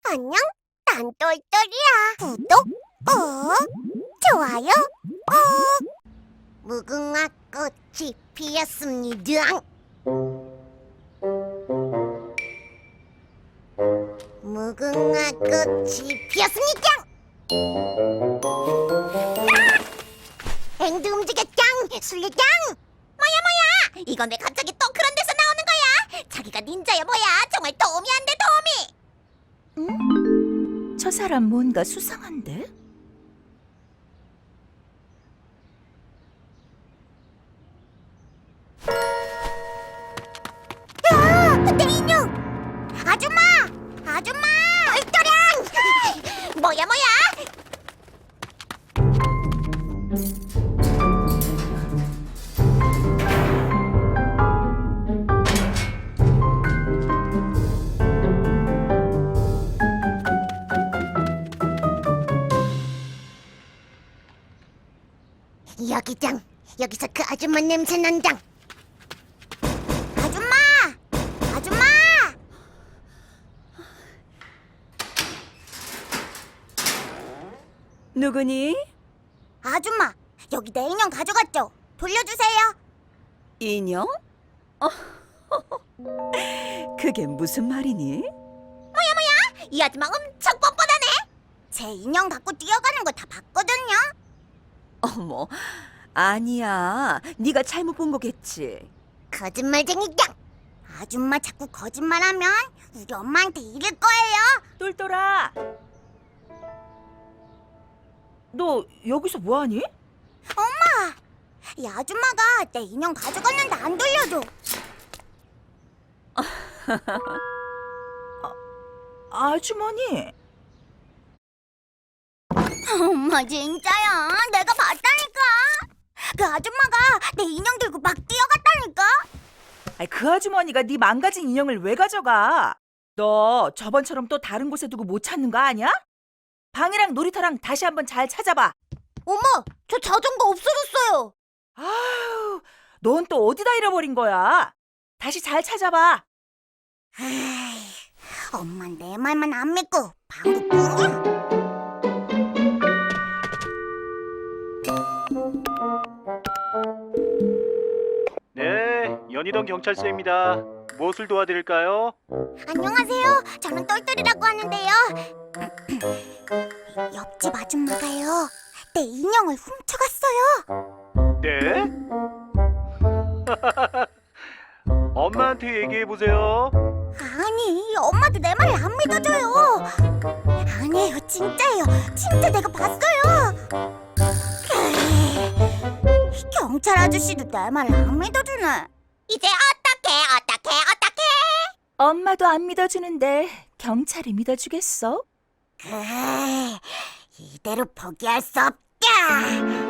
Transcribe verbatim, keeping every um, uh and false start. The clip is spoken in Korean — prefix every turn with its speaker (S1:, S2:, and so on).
S1: 안녕, 난 똘똘이야. 구독 꾹, 좋아요 꾹. 무궁화 꽃이 피었습니다. 무궁화 꽃이 피었습니다. 아! 앵두 움직였짱, 술래짱. 뭐야 뭐야? 이건 왜 갑자기 또 그런 데서 나오는 거야? 자기가 닌자야 뭐야? 정말 도움이 안 돼, 도움이.
S2: 응? 저 사람 뭔가 수상한데?
S1: 야, 내 인형! 아줌마! 아줌마! 똘똘양! 뭐야 뭐야? 여기장, 여기서 그 아줌마 냄새 난장. 아줌마! 아줌마!
S2: 누구니?
S1: 아줌마, 여기 내 인형 가져갔죠? 돌려주세요.
S2: 인형? 어, 그게 무슨 말이니?
S1: 이 아줌마 엄청 뻔뻔하네. 제 인형 갖고 뛰어가는 거 다 봤거든요.
S2: 어머, 아니야. 네가 잘못 본 거겠지.
S1: 거짓말쟁이장. 아줌마 자꾸 거짓말하면 우리 엄마한테 이를 거예요.
S2: 똘똘아, 너 여기서 뭐하니?
S1: 엄마, 이 아줌마가 내 인형 가져갔는데 안 돌려줘.
S2: 아주머니.
S1: 엄마 진짜야. 내가 봤다니까. 그 아줌마가 내 인형 들고 막 뛰어갔다니까.
S2: 아이, 그 아주머니가 네 망가진 인형을 왜 가져가? 너 저번처럼 또 다른 곳에 두고 못 찾는 거 아니야? 방이랑 놀이터랑 다시 한번 잘 찾아봐.
S1: 엄마, 저 자전거 없어졌어요.
S2: 아유, 넌 또 어디다 잃어버린 거야? 다시 잘 찾아봐.
S1: 에이, 엄마 내 말만 안 믿고 방구뿐이야.
S3: 네, 연희동 경찰서입니다. 무엇을 도와드릴까요?
S1: 안녕하세요. 저는 똘똘이라고 하는데요. 옆집 아줌마가요, 내 인형을 훔쳐갔어요.
S3: 네? 엄마한테 얘기해보세요.
S1: 아니, 엄마도 내 말을 안 믿어줘요. 아니에요, 진짜예요. 진짜 내가 봤어요. 에이, 경찰 아저씨도 내 말을 안 믿어주네. 이제 어떡해, 어떡해, 어떡해?
S2: 엄마도 안 믿어주는데 경찰이 믿어주겠어?
S1: 그래, 이대로 포기할 수 없다.